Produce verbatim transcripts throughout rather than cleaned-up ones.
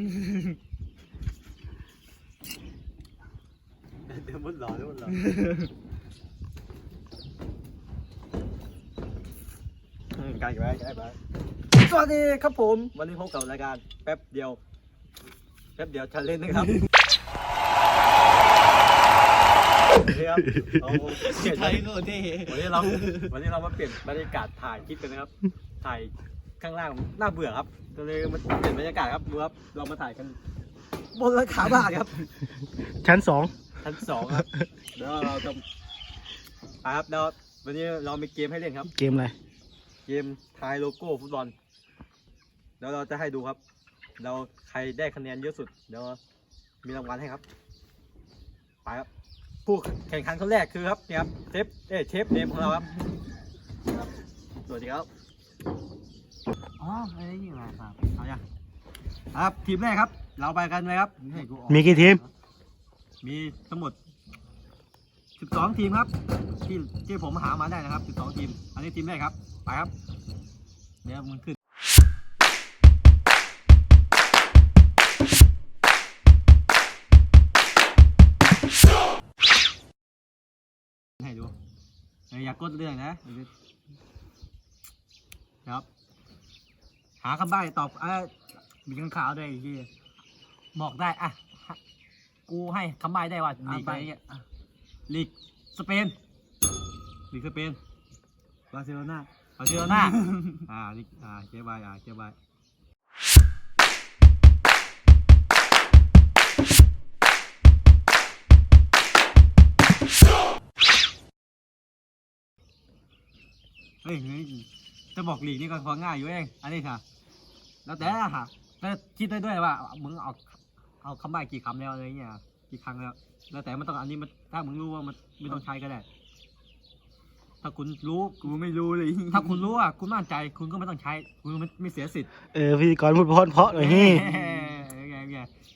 เดี๋ยวมุดหล่อเดี๋ยวมุดหล่อการกันไปกันไปสวัสดีครับผมวันนี้พบกับรายการแป๊บเดียวแป๊บเดียวชันเล่นนะครับครับไทยโน่นที่วันนี้เราวันนี้เรามาเปลี่ยนบรรยากาศถ่ายคลิปกันนะครับถ่ายข้างล่างน่าเบื่อครับก็เลยมาเปลี่ยนบรรยากาศครับดูครับเรามาถ่ายกันบนหลังคาบ้านครับชั้นสองชั้นสองครับเดี๋ยวเราจะครับเดี๋ยววันนี้เรามีเกมให้เล่นครับเกมอะไรเกมทายโลโก้ฟุตบอลเดี๋ยวเราจะให้ดูครับเราใครได้คะแนนเยอะสุดเดี๋ยวมีรางวัลให้ครับไปครับผู้แข่งขันคนแรกคือครับนี่ครับเชฟเอ้เชฟเนมของเราครับสวัสดีครับอ๋อไอ้นี่มาครับเอาอย่างครับทีมแรกครับเราไปกันเลยครับมีกี่ทีมมีทั้งหมดสิบสองทีมครับที่ที่ผมหามาได้นะครับสิบสองทีมอันนี้ทีมแรกครับไปครับเดี๋ยวมึงขึ้นให้ดูอย่ากดเรื่องนะครับหาคำใบ้ตอบอ่ะมีข้างข่าวด้วยที่บอกได้อ่ะกูให้คำใบ้ได้ว่าลีกอะไรเงี้ยลีกสเปนลีกสเปนบาร์เซโลนาบาร์เซโลนาอ่าลีกอ่าเจ๊ใบอ่าเจ๊ใบเฮ้ยจะบอกลีกนี่ก็พอง่ายอยู่เองอันนี้ค่ะแล้วแต่ละค่ะแล้วคิดได้ด้วยว่ามึงเอาเอาคำใบ้กี่คำแล้วอะไรเงี้ยกี่ครั้งแล้วแล้วแต่มันต้องอันนี้มันถ้ามึงรู้ว่ามันไม่ต้องใช้ก็ได้ถ้าคุณรู้กูไม่รู้เลยถ้าคุณรู้อ่ะคุณมั่นใจคุณก็ไม่ต้องใช้คุณไม่ไม่เสียสิทธิ์เออพิธีกรพูดเพราะเพราะเลยนี่ไงไง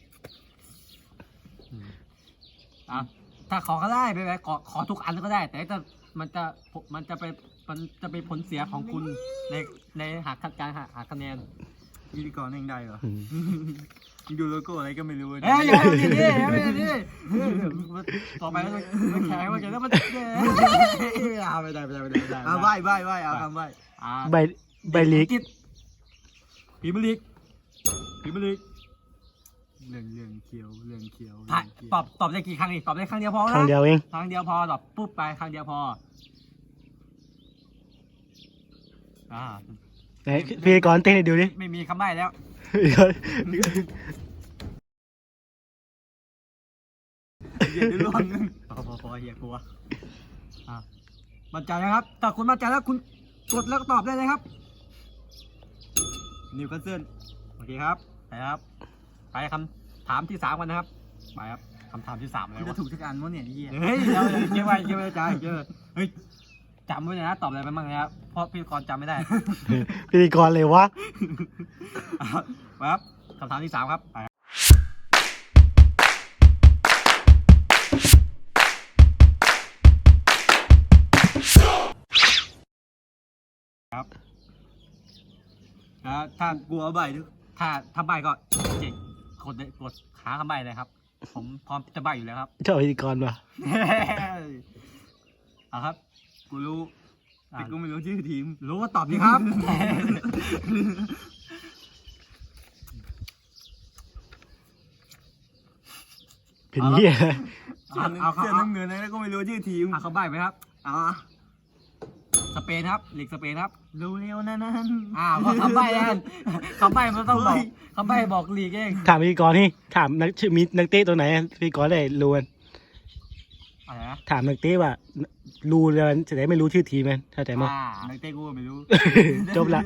อ่ะถ้าขอก็ได้ไปไปขอขอทุกอันก็ได้แต่ถ้ามันจะมันจะไปมันจะเป็นผลเสียของคุณในในหาการหาหาคะแนนพิธีกรเองได้เหรอดูโลโก้อะไรก็ไม่รู้เอ้ยอย่าไปดิอย่าไปดิต่อไปมันแข็งว่าจะแล้วมันเอาไปได้ไปได้ไปได้เอาใบใบใบเอาคำใบใบใบลีกพีมลีกพีมลีกเรื่องเรื่องเขียวเรื่องเขียวตอบตอบได้กี่ครั้งอีกตอบได้ครั้งเดียวพอนะครั้งเดียวเองครั้งเดียวพอตอบปุ๊บไปครั้งเดียวพออ่าไหนพิธีกรเต้นให้ดูดิไม่มีคำใบ้แล้วเดี๋ยวล่วงพอพอพอเฮียกลัวอ่ามั่นใจนะครับถ้าคุณมั่นใจแล้วคุณกดแล้วก็ตอบได้เลยครับนิวคาสเซิลโอเคครับไปครับไปคำถามที่สามกันนะครับไปครับคำถามที่สามแล้วจะถูกทุกอันมั้งเนี่ยเฮียเฮ้ยเดี๋ยวเก็บไว้เก็บไว้ใจเจอเฮ้ยจำไว้เลยนะตอบอะไรไปบ้างนะครับเพราะพิธีกรจำไม่ได้พิธีกรเลยวะครับคำถามที่สามครับไปครับถ้ากลัวใบถ้าถ้าใบก็เจ๊กดกดหาคำใบเลยครับผมพร้อมจะใบอยู่แล้วครับเจ้าพิธีกรป่ะเอาครับกูรู้แต่กูไม่รู้ชื่อทีมรู้ก็ตอบดีครับเป็นเหี้ยเอาเสื้อน้ำเงินแล้วก็ไม่รู้ชื่อทีมเอาเขาใบไหมครับอ๋อสเปนครับลีกสเปนครับรู้เร็วนั่นนั่นอ้าวคำใบ้นั่นคำใบ้มันต้องบอกคำใบ้บอกลีกเองถามพิธีกรนี่ถามนักชื่อมีนักเตะตัวไหนพิธีกรได้รู้กันอะไรนะถามนักเตะว่ารู้แล้วจะได้ไม่รู้ชื่อทีมมันเข้าใจมั้ยนักเตะกูไม่รู้จบละ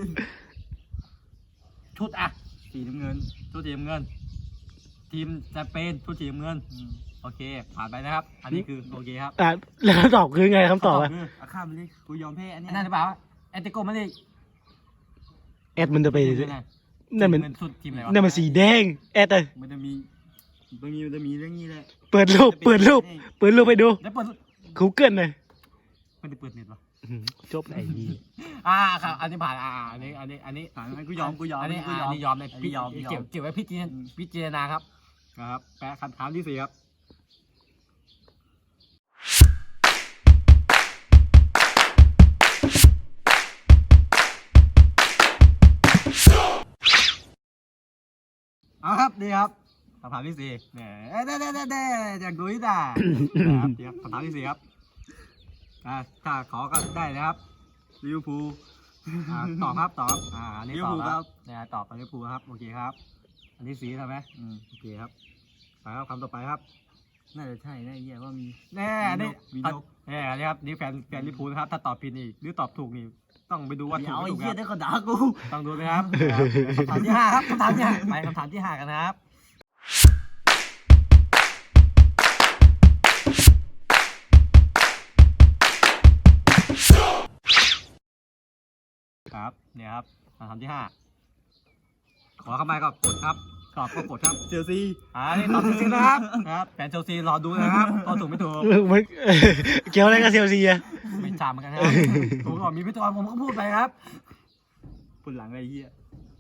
ชุดอ่ะสีน้ำเงินชุดสีน้ำเงินทีมสเปนชุดสีน้ำเงินโอเคผ่านไปนะครับอันนี้คือโอเคครับอ่าแล้วคำตอบคือไงคำตอบอ่ะอาข้ามไปเลยกูยอมแพ้อันนี้นั่นหรือเปล่าแอตติโกมันเลยแอดมันจะไปนั่นมันสุดทีมอะไรวะนั่นมันสีแดงแอดเลยมันจะมีมันมีมันจะมีเรื่องนี้แหละเปิดรูปเปิดรูปเปิดรูปไปดูแล้วเปิดกูเกิลเลยไม่ได้เปิดเน็ตวะจบไอ้ยี่อ่าครับอันนี้ผ่านอ่าอันนี้อันนี้อันนี้ผ่านไหมกูยอมกูยอมอันนี้กูอ่ายออัมนนี้ยอมเลยอันนี้ยอมพี่ยอมเก็บเก็บไว้พิจารณาพิจารณาครับนะครับแปะคำถามที่สี่ครับเอาครับดีครับคำถามที่สี่เนี่ยเด้เด้เด้เด้อยากดูที่ด่านะครับดีครับคำถามที่สี่ครับอ่าถ้าขอก็ได้นะครับลิเวอร์พูลอ่าตอบครับตอบอ่าอันนี้ตอบลิเวอร์พูลคครัรับบ เนี่ยตอบไปลิเวอร์พูลครับโอเคครับ อันที่สี่ใช่ไหมอืมโอเคครับไปครับคำต่อไปครับน่าจะใช่นะไอ้เหี้ยว่ามีแน่อันนี้มีนกแน่อันนี้ครับนี่แฟนแฟนลิเวอร์พูลนะครับถ้าตอบผิดนี่หรือตอบถูกนี่ต้องไปดูว่าถูเดี๋กยวไม่ไอ้ถูกเหี้ยคได้รับก็ด่ากูต้องดูนะครับคำถามที่ห้าครับคำถามที่ห้าไปคำถามที่ห้ากันนะครับครับเนี่ยครับคำถามที่ห้าขอเข้ามาก็กดครับตอบก็กดครับเชลซีอ่านี่ตอบถูกจริงนะครับนะครับแฟนเชลซีรอดูนะครับตอบถูกไม่ถูกมันเกี่ยวอะไรกับเซลซีอะไม่จำเหมือนกันนะครับถูกก่อนมีพิธีกรผมก็พูดไปครับปุ่นหลังไอ้เหี้ย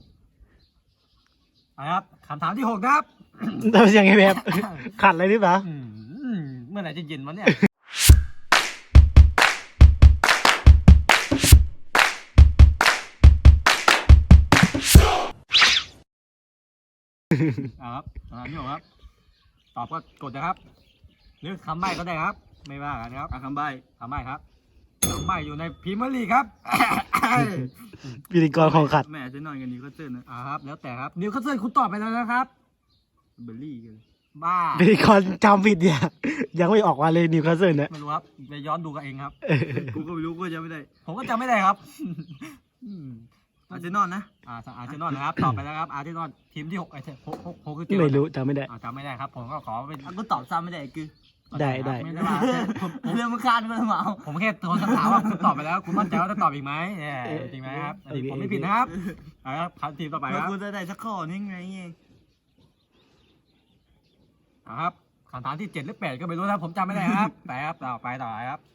นะครับคำถามที่หกนะครับทำเสียงไงแบบขัดอะไรหรือเปล่าอืมเมื่อไหร่จะเย็นวะเนี่ยเอาครับคำถามที่หกครับตอบก็กดนะครับหรือคำใบ้ก็ได้ครับ ไม่ว่ากันครับอ่ะคำใบ้คำใบ้ครับคำใบ้อยู่ในพรีเมียร์ลีกครับพิธีกรของขัดแม่จะนอนกันนี้ก็เจอนะอ่าครับแล้วแต่ครับนิวคาสเซิลคุณตอบไปแล้วนะครับเบอร์รี่กันบ้าพิธีกรจำผิดเนี่ยยังไม่ออกมาเลยนิวคาสเซิลเนี่ยไม่รู้ครับไปย้อนดูกันเองครับกูก็ไม่รู้กูจะไม่ได้ผมก็จำไม่ได้ครับ อืมอาร์เซนอลนะอ่าอาร์เซนอลนะครับ ตอบไปแล้วครับ อาร์เซนอลทีมที่หกไอ้หกหกหกคือเกี่ยวไม่รู้จำไม่ได้อ่าจำไม่ได้ครับ ผมก็ขอเป็นอ่ะกูตอบซ้ำไม่ได้คือได้ได้ไม่ได้ว่าผมผมเรื่องมันคาดมันมาเอาผมแค่โทรคำถามว่าคุณตอบไปแล้ว คุณมั่นใจว่าจะตอบอีกไหมเนี่ยจริงไหมครับอันนี้ผมไม่ผิดนะครับเอาครับคำทีมต่อไปเมื่อครับกูจะได้สักข้อนึงไงเงี้ยเอาครับคำถามที่เจ็ดหรือแปดก็ไม่รู้นะครับผมจำไม่ได้ครับไปครับต่อไปต่อไปครับ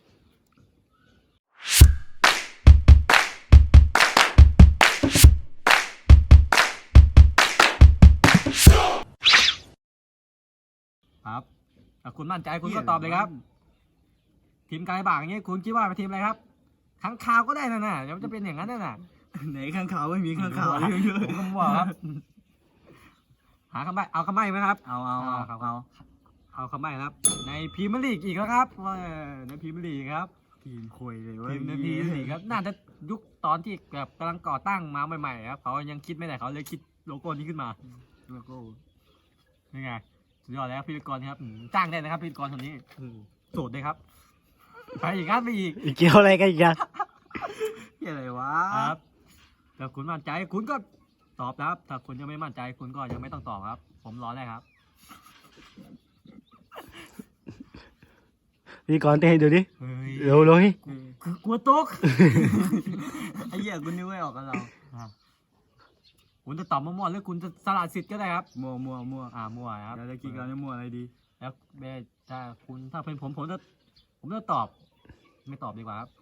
ครับถ้าคุณมั่นใจคุณก็ตอบเลยครับ ทีมกายบางอย่างนี้คุณคิดว่าเป็นทีมอะไรครับข้างคาวก็ได้นะน่ะเดี๋ยวมันจะเป็นอย่างนั้นน่ะน่ะไหนข้างขาวไม่มีข้างขาวเยอะผมก็มั่วครับ หาคำใบ้เอาคำใบ้ไหมครับเอาเอาเอาครับเอาเอาคำใบ้ครับ ในพรีเมียร์ลีกอีกแล้วครับเออในพรีเมียร์ลีกครับทีมคุยเลยเว่าทีมในพรีเมียร์ลีกครับน่าจะยุคตอนที่แบบกำลังก่อตั้งมาใหม่ๆครับเขายังคิดไม่ได้เขาเลยคิดโลโก้นี้ขึ้นมาแล้วก็นี่ไงสุดยอดแล้วพิธีกรครับอืมจ้างได้นะครับพิธีกรคนนี้อืมโสดเลยครับไปอีกครับไปอีกเกี่ยวอะไรกันอีกอะเหี้ยอะไรวะครับถ้าคุณมั่นใจคุณก็ตอบนะครับ ถ้าคุณยังไม่มั่นใจคุณก็ยังไม่ต้องตอบครับ ผมรอได้ครับพิธีกรเต้นให้ดูดิเฮ้ยเร็วเลยคือกลัวตกไอ้เหี้ยกูนึกไม่ออกกับเราอ่ะคุณจะตอบมั่วๆหรือคุณจะสละสิทธิ์ก็ได้ครับมัวมัวมัวอ่ามั่วครับเดี๋ยวจะกินกันจะมัวอะไรดีแล้วแม่ถ้าคุณถ้าเป็นผมผมจะผมจะตอบ ไม่ตอบดีกว่าครับ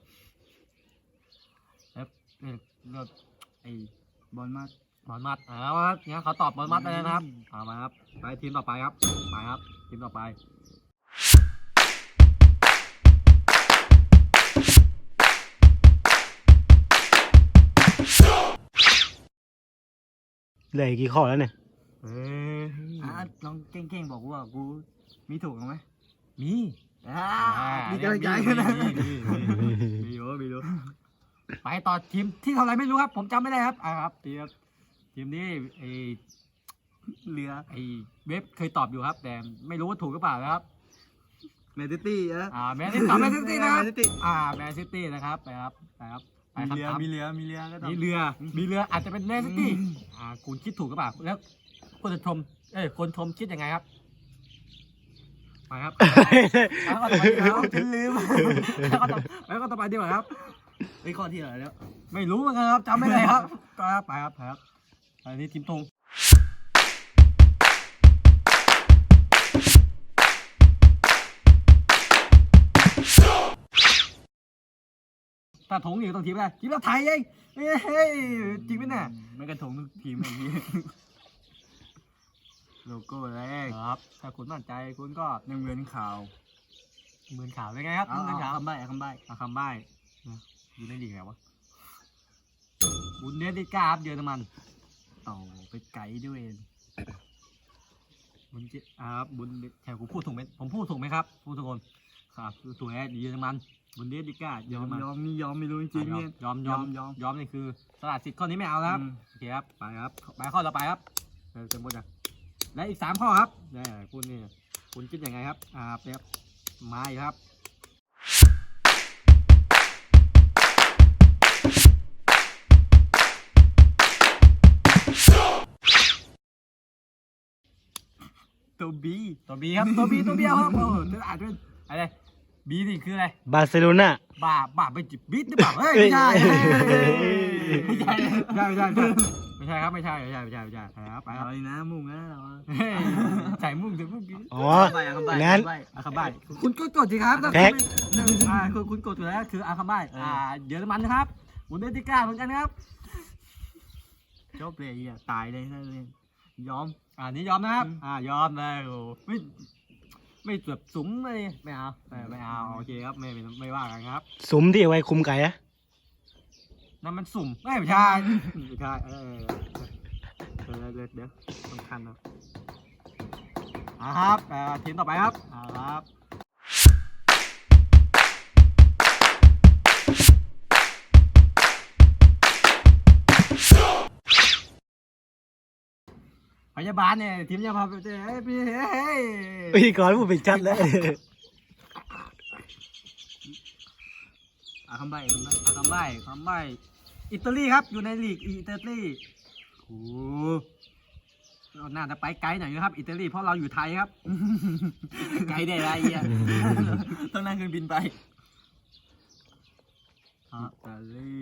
แล้วเรื่องเรื่องไอ้บอลมากบอลมัดอ่าว่างั้นเขาตอบบอลมัดไปเลยนะครับเอามาครับไปทีมต่อไปครับไปครับ ทีมต่อไปเหลืออีกกี่ข้อแล้วเนี่ยเอ้ยอ่ะลองเก่งๆบอกว่ากูมีถูกไหมมีอ่าอ่ามีกำลังใจกันนะมีมีมีมีมีอยู่มีอยู่ไปต่อทีมที่เท่าไหรไม่รู้ครับ ผมจำไม่ได้ครับอ่าครับทีมทีมนี้ไอเรือไอเว็บเคยตอบอยู่ครับ แต่ไม่รู้ว่าถูกหรือเปล่านะครับแมนซิตี้อะอ่าแมนซิตี้ตอบแมนซิตี้นะครับแมนซิตี้อ่าแมนซิตี้นะครับไปครับไปครับไปมีคำเรือถามมีเรือมีเรือก็ต้องมีเรือมีเรืออาจจะเป็นแมนซิตี้อืมอ่าคุณคิดถูกหรือเปล่าแล้วคนชมเอ้ยคนชมคิดยังไงครับไปครับแล้วก็ต่อไปดีกว่าครับฉันลืมแล้วก็ต่อแล้วก็ต่อไปดีกว่าครับไอ้ข้อที่อะไรแล้วไม่รู้เหมือนกันครับจำไม่ได้ครับก็ครับไปครับไปครับอันนี้ทีมธงอถ้าถงอยู่ต้องทีมอะไรทีมละไทยเองเฮ้ยจริงไหมเนี่ยไม่กระทงทุกทีมไอ้เหี้ยโลโก้แรกครับถ้าคุณมั่นใจคุณก็หนึ่งเหมือนข่าวหมื่นข่าวเป็นไงครับเอาหมื่นเอาข่าวคำใบ้เอาคำใบ้เอาคำใบ้นะอยู่ในลีกไหนวะบุนเดสลิก้าครับเยอรมันต่อไปไกด์ด้วยบุนเจอ่าครับบุนแถวผมพูดถูกไหมผมพูดถูกไหมครับผู้ทุกคนครับถูกแอดเยอรมันบุนเดสลิก้าเยยออรมมันยอมนี่ยอมไม่รู้จริงๆเนี่ยยอมยอมยอมยอมนี่คือสลัดสิทธิ์ข้อนี้ไม่เอาแล้วครับอืมโอเคครับไปครับไปข้อต่อไปครับเออเต็มหมดนะและอีกสามข้อครับเนี่ยคุณนี่คุณคิดยังไงครับอ่าเป๊บมาอีกครับตัวบีตัวบีครับตัวบีตัวเดียวครับโอ้โหจะอ่านเป็นอะไรบีนี่คืออะไรบาร์เซโลนาบ้าบ้าไปจิบบิดหรือเปล่าเฮ้ยไม่ใช่เอ้ยไม่ใช่ไม่ใช่ไม่ใช่ไม่ใช่ครับไม่ใช่ไม่ใช่ไม่ใช่ไม่ใช่ไปครับไปคอะรับไรนะมุ่งนะเราเฮ้ยใส่มุ่งใส่มุ่งกินอ๋อคำใบ้เอาคำใบ้งั้นคำใบ้อาคาบ้ายคุณก็กดสิครับแพ็คหนึ่งอ่าคุณคุณกดอยู่แล้วคืออาคาบ้ายอ่าเยอรมันนะครับบุนเดสลิก้าเหมือนกันครับจบเลยไอ้เหี้ยตายเลยนั่นเลยยอมอ่านี่ยอมนะครับอืมอ่ายอมเลยโอ้ไม่ไม่เกือบสุมเลยไม่เอาไม่ไม่เอาโอเคครับไม่ไม่ไม่ว่ากันครับสุมที่เอาไว้คุมไก่อะนั่นมันสุ่มไม่ไม่ใช่ไม่ใช่เออเออเดี๋ยวเดี๋ยวสำคัญนะอ่าครับอ่าทีมต่อไปครับอ่าครับพยาบาลเนี่ยทีมพยาบาลเฮ้ยพี่เฮ้ยพิธีกรพูดเป็นชัดแล้วเอาคำใบ้คำใบ้คำใบ้คำใบ้อิตาลีครับอยู่ในลีกอิตาลีโอ้เราน่าจะไปไกลหน่อยนะครับอิตาลีเพราะเราอยู่ไทยครับไกด์ได้ไรไอ้เหี้ยต้องนั่งเครื่องบินไปอิตาลี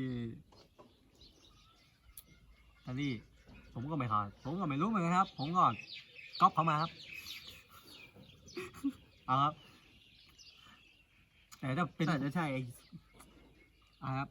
อิตาลีผมก็ไม่ทานผมก็ไม่รู้เหมือนกันครับ ผมก่อนก๊อปเขามาครับเอาครับแต่ถ้าเป็นน่าจะใช่ไอ้อ่าครับ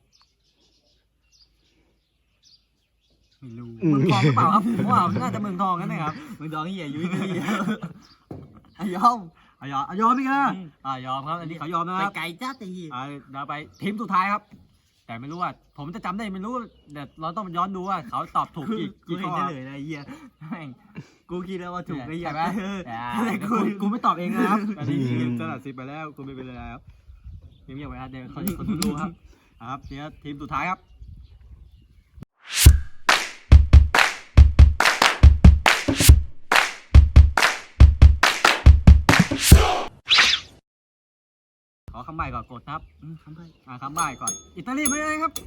ไม่รู้อืมเมืองทองหรือเปล่าครับผมว่าน่าจะเมืองทองนั่นนะครับมึงดองเหี้ยยุ้ยยุ้ยไอ้ยอมอ่ะยอมอ่ะยอมพี่กันอืมอ่ายอมครับอันนี้เขายอมนะไปครับไกลจ้าไอ้เหี้ยอ่าเดี๋ยวไปทีมสุดท้ายครับ แต่ไม่รู้ว่า ผมจะจำได้ไม่รู้เดี๋ยวเราต้องย้อนดูว่าเขาตอบถูกกูกี่กูกี่เห็ข้นอเฉลยนะไอ้เหี้ยแม่งกูคิดแล้วว่าถูกไอ้เหี้ยใช่ไหมเอออ่าอะไรเดี๋ยวกูกูกูไม่ตอบเองนะครับอันนี้คือสลัดสิบไปแล้วกูไม่เป็นไรครับเงียบๆไว้ครับเดี๋ยวเขาจะคนดูครับอ่าครับเดี๋ยวทีมสุดท้ายครับขอคำใบ้ก่อนกดครับอืมคำใบ้อ่าคำใบ้ก่อน อิตาลีไม่ได้ครับ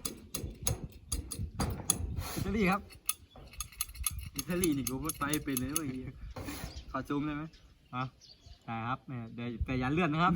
อิตาลีครับอิตาลีนี่กูไม่ไปเป็นเลยเว้ยไอ้เหี้ยขอซูมได้ไหมอ่ะใช่ครับเนี่ยเดี๋ยวแต่อย่าเลื่อนนะครับ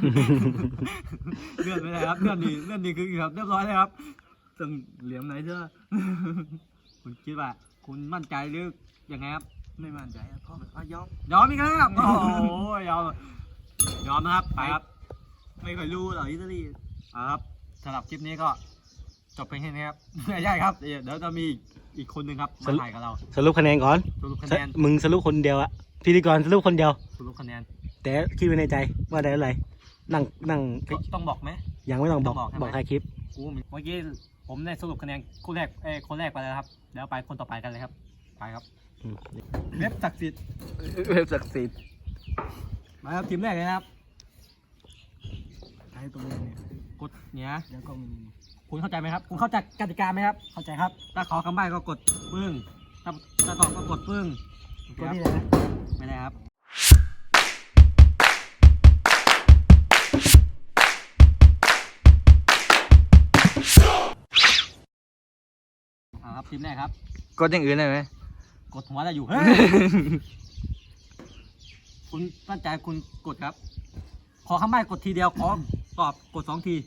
เลื่อนไม่ได้ครับ เลื่อนดีเลื่อนดีคือครับเรียบร้อยเลยครับต้องเหลี่ยมไหนเถอะคุณคิดว่า คุณมั่นใจหรือยังไงครับไม่มั่นใจอะพ่ออ่ะยอมยอมอีกแล้วครับ โอ้โหยอม ยอมนะครับ ไปครับไม่ค่อยรู้หรอกอิตาลีอ่าครับสำหรับคลิปนี้ก็จบเพียงแค่นี้ครับ ไม่ใช่ครับ เดี๋ยวเดี๋ยวจะมีอีกคนหนึ่งครับมาถ่ายกับเราสรุปคะแนนก่อนสรุปคะสแนนมึงสรุปคนเดียวอะพิธีกรสรุปคนเดียวสรุปคะแนนแต่คิดไว้ในใจว่าได้อะไรนั่งนั่งต้องบอกไหมยังไม่ต้องบอกต้องบอกใช่ไหมบอกใครคลิปกูเมื่อกี้ผมได้สรุปคะแนนคู่แรกเอ้ยคนแรกไปแล้วครับเดี๋ยวไปคนต่อไปกันเลยครับไปครับอืมเว็บศักดิ์สิทธิ์เว็บศักดิ์สิทธิ์มาครับทีมแรกเลยนะครับใช้ตรงนี้เนี่ยกดเนี้ยแล้วก็มีคุณเข้าใจไหมครับ คุณเข้าใจกติกาไหมครับ เข้าใจครับ ถ้าขอคำใบ้ก็กดปึ้งถ้าถ้าตอบก็กดปึ้งโอเคก็ครับนี่เลยนะไม่ได้ครับอ่าครับทีมแรกครับกดอย่างอื่นได้ไหมกดหัวอะไรอยู่เฮ้ย คุณตั้งใจคุณกดครับ ขอคำใบ้กดทีเดียว ขอตอบกดสองที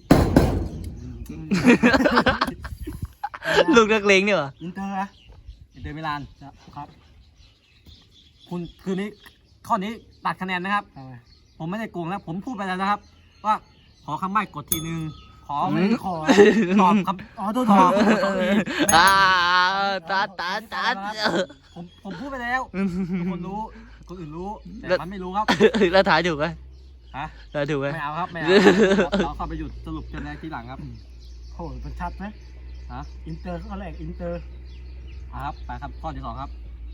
ลูกนักเลงเนี่ยเหรออินเตอร์นะอินเตอร์มิลานครับ คุณคืนนี้ข้อนี้ตัดคะแนนนะครับ ผมไม่ได้โกงนะผมพูดไปแล้วนะครับ ว่าขอคำใบ้กดทีหนึ่งขขอไม่ได้ขอตอบครับอ๋อตัวตอบอ่าตาตาตาผมผมพูดไปแล้วทุกคนรู้คนอื่นรู้แต่มันไม่รู้ครับแล้วถ่ายถูกไหมฮะถ่ายถูกไหมไม่เอาครับไม่เอาเราเข้าไปหยุดสรุปกันในทีหลังครับโอ้ยมันชัดไหมฮะอินเตอร์ข้อแรกอินเตอร์อ่ะครับไปครับข้อที่สองครับ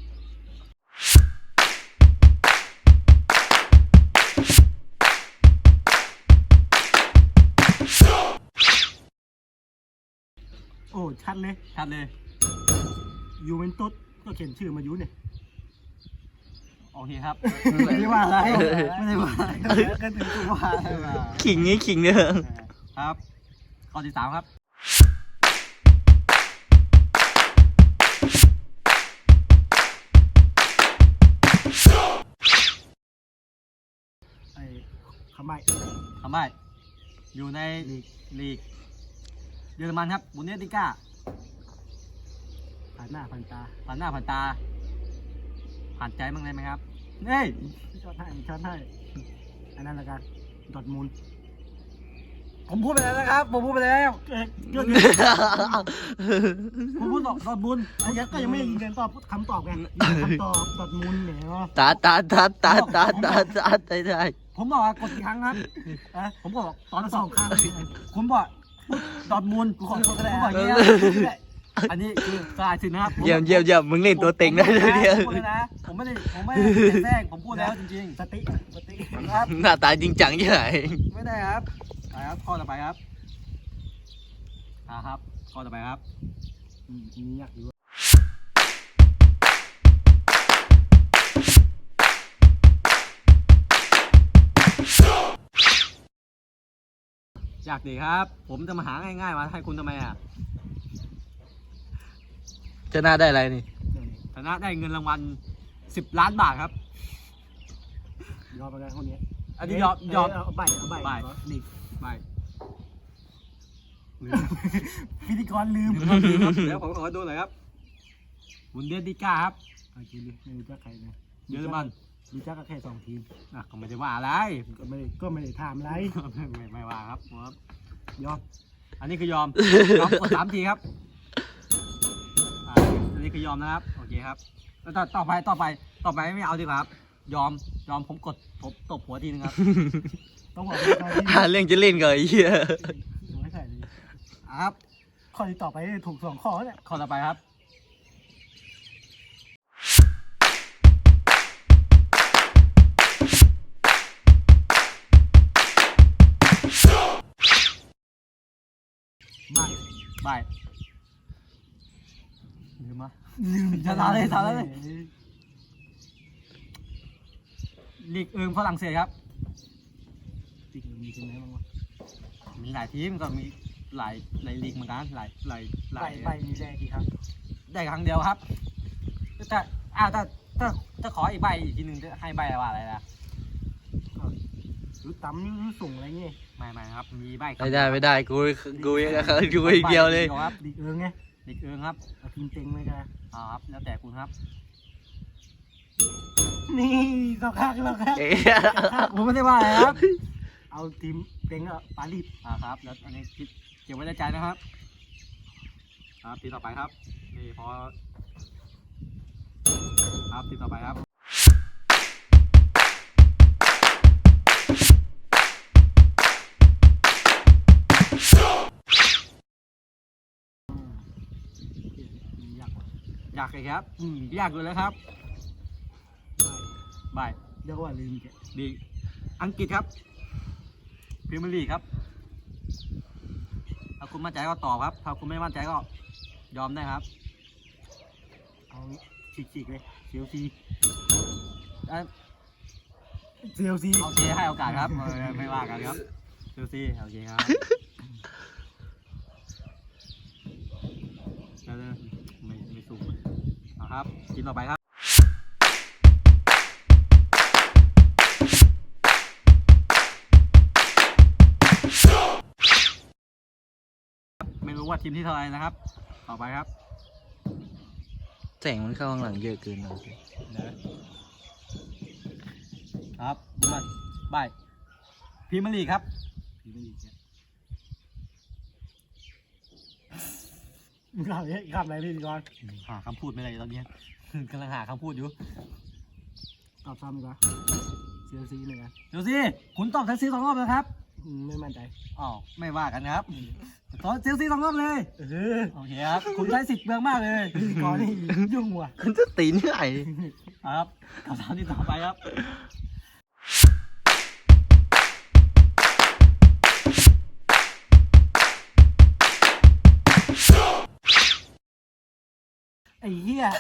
โอ้ชัดเลยชัดเลยยูเวนตุสก็เขียนชื่อมายูเนี่ยโอเคครับไม่ได้ว่าอะไรไม่ได้ว่าก็ถึงตัวว่าอะไรมาขิงนี้ขิงเนี่ยครับข้อที่สามครับไอ้ขมายทำไมอยู่ในลีกเยอรมันครับบุนเดสลิก้าผ่านหน้าผ่านตาผ่านหน้าผ่านตา ผ่านใจบ้างได้ไหมครับเฮ้ยชอบให้ชอบให้อันนั้นละกันดอดมูลผมพูดไปแล้วนะครับผมพูดไปแล้วเกิดเกิดผมพูดดอกดอกบุญไอ้ยักษ์ก็ยังไม่ยืนยันตอบคำตอบไงคำตอบดอดมูลเนี่ยเนาะตาตาตาตาตาตาตาได้ได้ผมบอกว่ากดกี่ครั้งครับเอะผมบอกตอนสสออง งข้างผมบอกดอดมูลกูขอผมบอกอย่างเงี้ยอันนี้คือกลายสินะครับเยี่ยมเยี่ยมเยี่ยมมึงเล่นตัวเต็งได้เลยเนี่ยผมพูดแล้วนะผมไม่ได้ผมไม่ได้แทรกผมพูดแล้วจริงสติสติๆครับหน้าตาจริงจังใช่ไหมไม่ได้ครับไปครับข้อต่อไปครับอ่าครับข้อต่อไปครับอืมมียากอยู่อยากดีครับ ผมจะมาหาง่ายๆมาให้คุณทำไมอ่ะจะหน้าได้อะไรนี่ชนะได้เงินรางวัลสิบล้านบาทครับยอมไปกันคนนี้อันนี้ยอมยอมเอาใบเอาใบใบลีกไม่พิธีกรลืมเดี๋ยวผมขอดูหน่อยครับบุนเดสลิก้าครับโอเคเลยไม่รู้จักใครนะเยอรมันรู้จักก็แค่สองทีมอ่ะก็ไม่ได้ว่าอะไรก็ไม่ได้ก็ไม่ได้ถามอะไรไม่ไม่ว่าครับครับยอมอันนี้คือยอม ยอมกดสามทีครับอ่าอันนี้คือยอมนะครับ โอเคครับ แล้วต่อต่อไปต่อไปต่อไปไม่เอาดีกว่าครับ ยอมยอมผมกดผมตบหัวทีนึงครับต้องบอกว่าข้อที่หาเรื่องจะเล่นก่อนไอ้เหี้ยไม่ใส่เลยอ่ะครับข้อที่ต่อไปถูกสองข้อเนี่ยข้อต่อไปครับไม่บายลืมมะลืมจะลาเลยลาเลย ลีกเอิงฝรั่งเศสครับจริงมีทีมไหนบ้างวะมีหลายทีมก็มีหลายหลายลีกเหมือนกันหลายหลายหใบลายใบมีได้กี่ครั้งได้ครั้งเดียวครับแต่อ้าวถ้าถ้าถ้าขออีกใบอีกทีหนึ่งจะให้ใบว่าอะไรล่ะรู้ตำรู้ส่งอะไรเงี้ยไม่ไม่ครับ มีใบไม่ได้ไม่ได้กูกูยังกูอีกเดียวเลยครับลีกเอิงไงลีกเอิงครับเอาทีมเต็งเลยกันอ่าครับแล้วแต่คุณครับนี่สองข้างสองข้างเอ๊ะผมไม่ได้ว่าอะไรครับเอาทีมเต็งอะปารีสอ่าครับแล้วอันนี้คิดเก็บไว้ในใจนะครับครับทีต่อไปครับนี่พอครับทีต่อไปครับยากกว่าอยากเลยครับอืมอยากเลยแล้วครับบายเรียกว่าลืมแกดีอังกฤษครับพรีเมียร์ลีกครับถ้าคุณมั่นใจก็ตอบครับถ้าคุณไม่มั่นใจก็ยอมได้ครับเอาฉีกๆเลยเชลซีเอ่อเชลซีโอเคให้โอกาสครับเออไม่ว่ากันครับเชลซีโอเคครับเดี๋ยวๆไม่ไม่สูงเอาครับทีมต่อไปครับไม่รู้ว่าทีมที่เท่าไหรนะครับ ต่อไปครับแสงมันเข้าข้างหลังเยอะเกินนะครับมาบายพรีเมียร์ลีกครับพรีเมียร์ลีกเนี่ยคำนี้คำอะไรพี่ก่อนหาคำพูดไม่ได้ตอนนี้ กำลังหาคำพูดอยู่ตอบซ้ำดีกว่าเซียซีเลยนะเดี๋ยวสิคุณตอบเซลซีสองรอบนะครับอืมไม่มั่นใจอ๋อไม่ว่ากันครับตอบเซลซีสองรอบเลยเออโอเคครับคุณใช้สิทธิ์เบืองมากเลยพี่ก่อนนี่ยุ่งว่ะมันจะตีนที่ไหนครับคำถามที่ต่อไปครับไอ้เหี้ย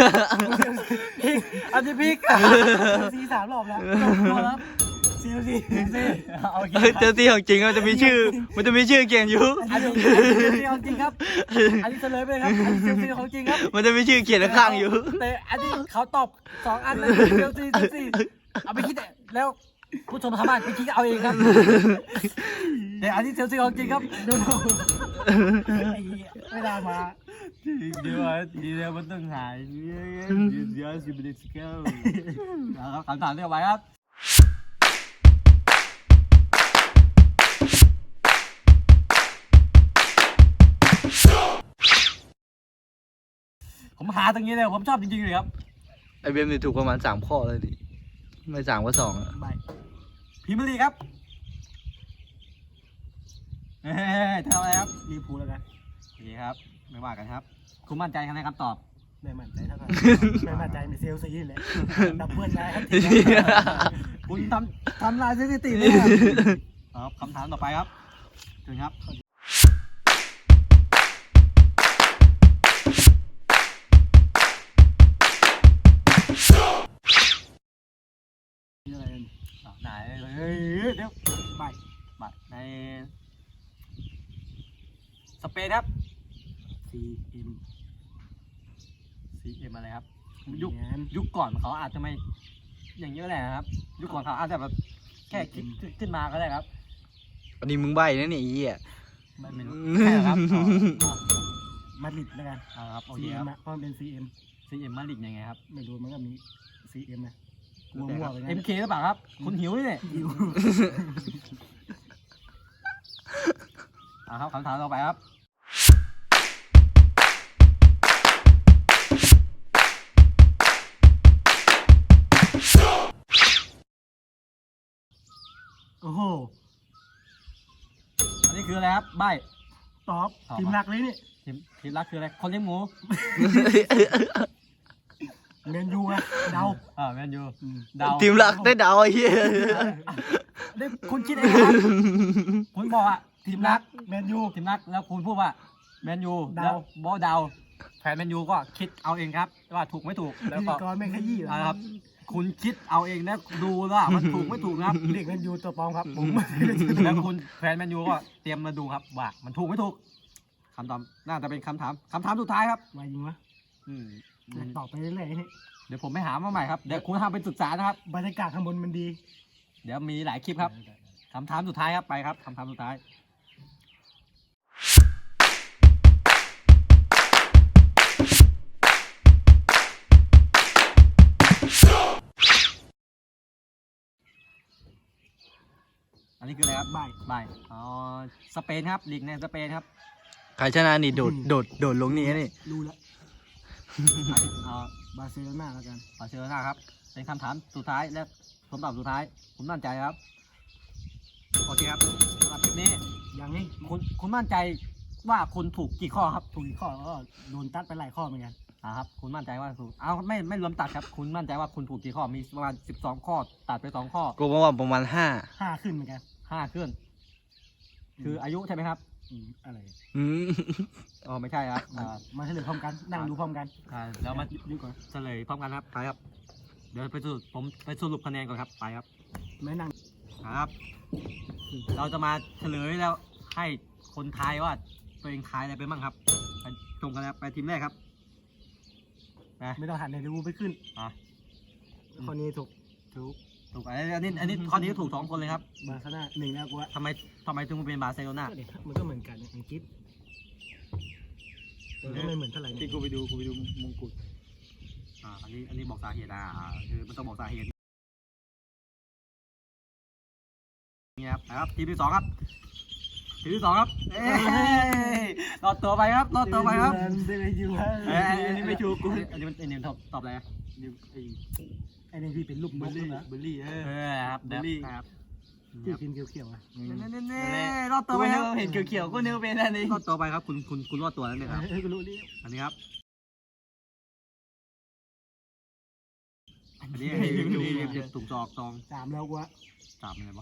อันนี้พิกเซียซีสามรอบแล้วครับเซียซีซีโอเคเออเจอที่ของจริงมันจะมีชื่อ มันจะมีชื่อเขียนอยู่อันนี้เซลซีของจริงครับ อันนี้เฉลยไปเลยครับ อันนี้เซลซีของจริงครับมันจะมีชื่อเขียนข้างๆอยู่แต่อันนี้เขาตอบสองอันเลยเซลซีเซลซีเอาไปคิดแล้วผู้ชมสามารถไปคิดเอาเองครับแต่อันนี้เซลซีของจริงครับไอ้เหี้ยไม่ได้มาเดี๋ยวเดี๋ยวมันต้องหายเดี๋ยวเดี๋ยวสิบเดือนสิบเก้าครับคำถามเรียกไว้ครับผมหาตรงนี้เลยผมชอบจริงๆเลยครับไอเบมนี่ถูกประมาณสามข้อเลยดิ ไม่สามก็สองอะใบพิมพ์ลีครับเฮ้ยทำอะไรครับรีพูลแล้วกันโอเคครับไม่ว่ากันครับ คุณมั่นใจในคำตอบไม่มั่นใจเท่ากันไม่มั่นใจในเซลซีนี่แหละดับเบิลได้ครับคุณทำทำลายสถิติเลยครับคำถามต่อไปครับเชิญครับนี่อะไรกันอ่ะไหนเฮ้ยเดี๋ยวใบมาในสเปนครับซีเอ็มซี เอ็ม อะไรครับ ยุคแมนยุคก่อนเขาอาจจะไม่อย่างนี้ก็ได้นะครับ ยุคก่อนเขาอาจจะแบบแค่คิดขึ้นมาก็ได้ครับอันนี้มึงใบนะเนี่ยไอ้เหี้ยไม่ไม่รู้ใช่เหรอครับอ๋อมาดริดแล้วกันอ๋อครับโอเคซีคเอ็รัมบอะเพราะมันเป็นซีเอ็มซีเอ็มมาลิกยังไงครับไม่รู้มันก็มีซีเอ็มนะมัวๆไปเอ็มงั้นเคหรือเปล่าครับ คุณหิวนี่เนี่ยหิวอ่าครับคำถามต่อไปครับโอ้โหอันนี้คืออะไรครับใบตอบตอบทีมมาหนักเลยนี่ทีมทีมรักคืออะไร คนเลี้ยงหมูเมนยูอะเดาอ่าแมนยูอืมเดาทีมหลักได้เดาไอ้เหี้ยได้คุณคิดเองนะครับ คุณบอกอ่ะทีมรักแมนยูทีมรักแล้วคุณพูดว่าแมนยูเดาแล้วบอเดาแฟนแมนยูก็คิดเอาเองครับว่าถูกไม่ถูกแล้วพิธีก็กรไม่ขยี้เหรอนะครับ คุณคิดเอาเองนะดูว่ามันถูกไม่ถูกนะครับเด็กแมนยูตัวปลอมครับผมแล้วคุณแฟนแมนยูก็เตรียมมาดูครับว่ามันถูกไม่ถูกคำตอบน่าจะเป็นคำถามคำถามสุดท้ายครับวายยิงวะอืมตอบไปเรื่อยๆนี่เดี๋ยวผมไปหามาใหม่ครับเดี๋ยวคุณทำเป็นศึกษานะครับบรรยากาศข้างบนมันดีเดี๋ยวมีหลายคลิปครับคำถามสุดท้ายครับไปครับคำถามสุดท้ายอันนี้คืออะไรครับใบใบอ๋อสเปนครับลีกในสเปนครับใครชนะนี่โดด โดด โดดลงนี่นี่รู้แล้วเอ่อบาร์เซโลนาแล้วกันบาร์เซโลนาครับเป็นคำถามสุดท้ายและคำตอบสุดท้ายผมมั่นใจครับโอเคครับสำหรับคลิปนี้อย่างนี้คุณคุณมั่นใจว่าคุณถูกกี่ข้อครับถูกอีกข้อก็โดนตัดไปหลายข้อเหมือนกันอ่าครับคุณมั่นใจว่าถูกเอาไม่ไม่รวมตัดครับ คุณมั่นใจว่าคุณถูกกี่ข้อมีประมาณสิบสองข้อตัดไปสองข้อกูบอกว่าประมาณห้าห้าขึ้นเหมือนกันห้าขึ้น คืออายุใช่ไหมครับอืมอะไรอืมอ๋อไม่ใช่ครับอ่ามาเฉลยพร้อมกัน นั่งดูพร้อมกันอ่าแล้วมาดูก่อนเฉลยพร้อมกันครับไปครับ เดี๋ยวไปสรุปผมไปสรุปคะแนนก่อนครับไปครับไม่นั่งครับ เราจะมาเฉลยแล้วให้คนทายว่าตัวเองทายอะไรไปบ้างครับไปตรงกันแล้วไปทีมแรกครับนะไม่ต้องหันในดูไปขึ้นอ่ะข้อนี้ถูกถูกถูกอันนี้อันนี้อันนี้ข้อนี้ถูกสองคนเลยครับบาร์เซโลนาหนึ่งแล้วกูว่าทำไมทำไมถึงเป็นบาร์เซโลนาก็เดี๋ยวมันก็เหมือนกันนะอังกฤษแต่ก็ไม่เหมือนเท่าไหร่นะที่กูไปดูกูไปดูมงกุฎอ่าอันนี้อันนี้บอกสาเหตุอ่าอ่าคือมันต้องบอกสาเหตุนี่ครับนะครับทีมที่สองครับทีทีมที่สองครับเอ้ยรอดตัวไปครับรอดตัวไปครับได้ไปอยู่ฮะเอ้ยอันนี้ไม่ถูกกูอันนี้มันอันนี้มันตอบตอบอะไรอะดิวไอ้ไอ้นี่พี่เป็นลูกนเบอกร์ลี่นะเบอร์ลี่เออเออครับเดี๋ยวบุลลี่ครับที่กินเขียวๆอ่ะเน่เน่เน่รอดตัตัว วไปไปครับเห็นเขียวๆก็นึกว่าเป็นอันนี้รอดตัวไปครับคุณคุณคุณรอดตัวแล้วเนี่ยครับเออก็รู้ดิอันนี้ครับอันนี้อันนี้อันนี้อันนี้ถุงจอกซองสามแล้วกูอะสามอะไรวะ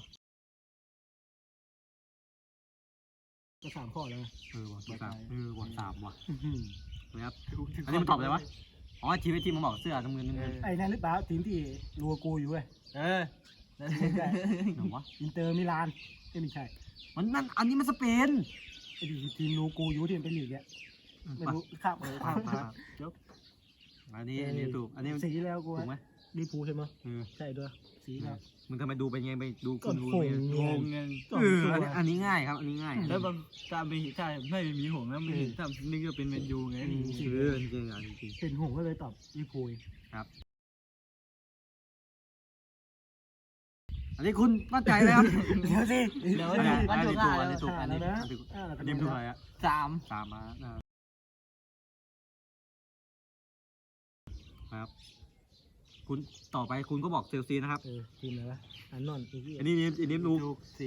ก็สามข้อแล้วเออว่ะสามเออว่ะสามว่ะอื้อหือนะครับอันนี้มันตอบอะไรวะอ๋อทีมไอทีมมันบอกเสื้อน้ำเงินน้ำเงินไอ้นั่นหรือเปล่าทีมที่รัวกูอยู่เว้ยเออนั่นไม่ใช่ไหนวะอินเตอร์มิลานเอ้ยไม่ใช่มันนั่นอันนี้มันสเปนไอ้ที่ทีมรัวกูอยู่ที่มันเป็นลีกเนี่ยไม่รู้ครับเออครับครับจบอันนี้อันนี้ถูกอันนี้สีแล้วกูถูกไหมดีพูใช่ไหมเออใช่ด้วยสีแล้วมึงทำไมดูเป็นไงไปดูก็คุณดูผงเป็นไงงงเงินเอออันนี้อันนี้ง่ายครับ อันนี้ง่ายแล้วบางตาไม่ใช่ไม่มีหงแล้วมันถ้านึกว่าเป็นแมนยูไงเออจริงๆอ่ะจริงเป็นหงก็เลยตอบดีพูๆครับ อันนี้คุณมั่นใจไหมครับเดี๋ยวสิเดี๋ยวอันนี้วัอันนถูนี้กถูกอ่ะอันนี้ถูกอันนี้แล้วนะอันนี้ถูกอ่าแล้วก็อันนี้ถูกอะไรอ่ะสามสามมาอ่าครับ คุณต่อไปคุณก็บอกเซลซีนะครับเออทีมอะไรวะอันนอนอีกที่อันนี้นี่อันนี้ดูถูกสี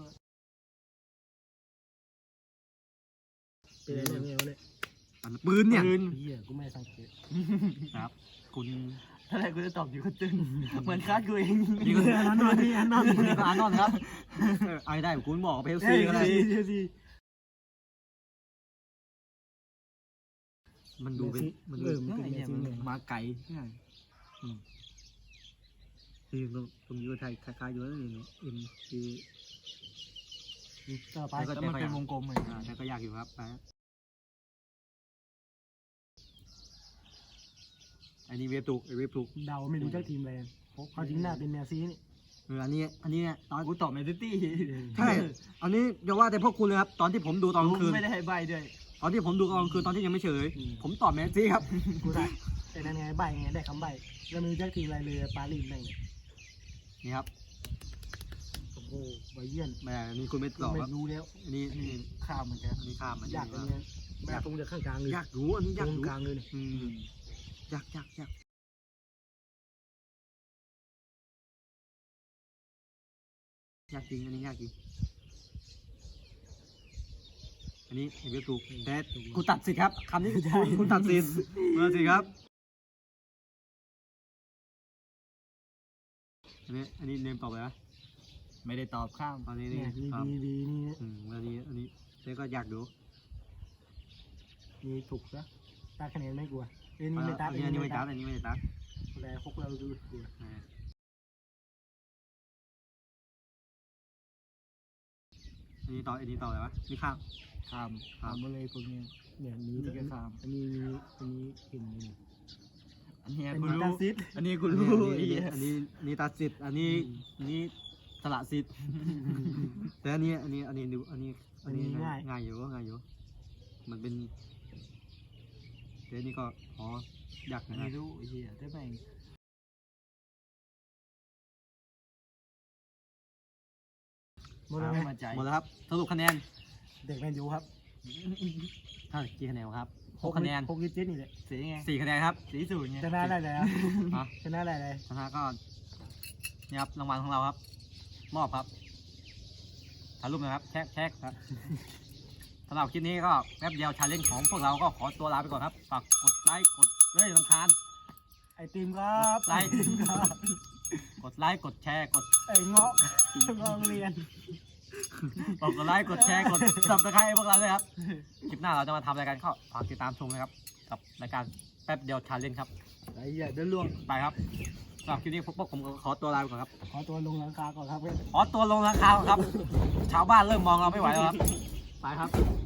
เป็นอะไรเนี่ยวะเนี่ยอันปืนเนี่ยปืนเฮียกูไม่สังเกตครับ คุณถ้าอะไรกูจะตอบอยู่ก็ตึงเหมือนคาดกูเองนี่ก็อันนอนนี่อันนอนนี่ก็อานอนครับเออไอ้ได้คุณบอกเพลเฮ้ซียก็ได้ซีซีซีมันดูเป็นมันดูเออมันไอ้เป็นเนี่ยซีมันเนี่ยมาไกลนี่ตรงตรงนี้ก็ไทยคล้ายๆอยู่แล้วนี่เอ็มซีต่อไปแล้วมันเป็นวงกลมเหมือนอ่าแต่ก็ยากอยู่ครับไปอันนี้เว็บถูกเว็บถูกเดาไม่รู้จักทีมอะไรเขาจริงหน้าเป็นแมซีนี่เอออันนี้อันนี้เนี่ยตอนกูตอบแมนซิตี้ใช่อันนี้อย่าว่าแต่พวกคุณเลยครับตอนที่ผมดูตอนกลางคืนไม่ได้ให้ใบด้วยตอนที่ผมดูตอนกลางคืนตอนที่ยังไม่เฉยผมตอบแมนซี่ครับกูได้แต่นั่นไงใบไงได้คำใบแล้วไม่รู้จักทีมอะไรเลยปารีสแม่งเนี่ยนี่ครับโอ้โหใบเยี่ยนแหมอันนี้คุณไม่ตอบไม่ครับรู้แล้วอันนี้อันนี้ข้ามเหมือนกันอันนี้ข้ามมันยากอันเนี้ยแม่ตรงจะข้างกลางเลยยากรู้อันนี้ตยากรงรู้กลางเลยเนี่ยอืมยากยากยากยากจริงอันนี้ยากจริงอันนี้เห็นไหมถูกแต่คุณตัดสิทธิ์ครับคำนี้คุณคุณตัดสิทธิ์มาสิครับอันนี้อันนี้เนมตอบไปนะไม่ได้ตอบข้ามอันนี้เนี่นี่ยครับดีดีนี่อืมอันนี้อันนี้เจ๊ก็อยากดูมีถูกซะตาคะแนนไม่กลัวเอ้ยนี่อันไม่ตัดนี้อันนี้ไม่ตัดอันนี้ไม่ตัดแต่พวกเราดูกลัวอ่าอันนี้ต่ออันนี้ต่ออะไรวะนี่ข้ามข้ามข้ามมาเลยพวกนี้เนี่ยมีนี่ก็ข้ามอันนี้มีอันนี้เห็นไหมเนี่ยอันนี้เป็นกูมารู้ตาซิดอันนี้กูอันรู้นี้ไอ้อันเหี้นี้ยอันนี้ตัดสิทธิ์อันนี้อันนี้สละสิทธิ์แต่อันนี้อันนี้อันนี้ดูอันนี้อันนี้ง่ายง่ายอยู่ง่ายอยู่มันเป็นแต่อันนี้ก็อ๋อยากอันนะนี้รู้ไอ้เหี้ยได้ไหมหมดแล้วไหมมาใจหมดแล้วครับสรุปคะแนนเด็กแมนยูครับเท่ากี่คะแนนครับหกคะแนนหกยี่สิบเจ็ดนี่แหละสีไงสี่คะแนนครับสีศูนย์ไงชนะได้แล้วอ่ะชนะได้เลยชนะก็นี่ครับรางวัลของเราครับ มอบครับถ่ายรูปนะครับแชกแชกครับสำหรับคลิปนี้ก็แป๊บเดียวชาเลนจ์ของพวกเราก็ขอตัวลาไปก่อนครับฝากกดไลค์กดเฮ้ยรำคาญไอติมครับไลค์ กดไลค์กดแชร์กดไอเงาะเงาะโรงเรียนกดไลค์กดแชร์กดซับสไครต์พวกเราด้วยครับคลิปหน้าเราจะมาทำอะไรกันก็ฝากติดตามชมนะครับกับรายการแป๊บเดียวชาเลนจ์ครับไอ้เหี้ยเดินล่วงไปครับสำหรับคลิปนี้พวกผมก็ขอตัวลาไปก่อนครับขอตัวลงหลังคาก่อนครับเพื่อนขอตัวลงราคาครับ ชาวบ้านเริ่มมองเราไม่ไหวแล้วครับ ไปครับ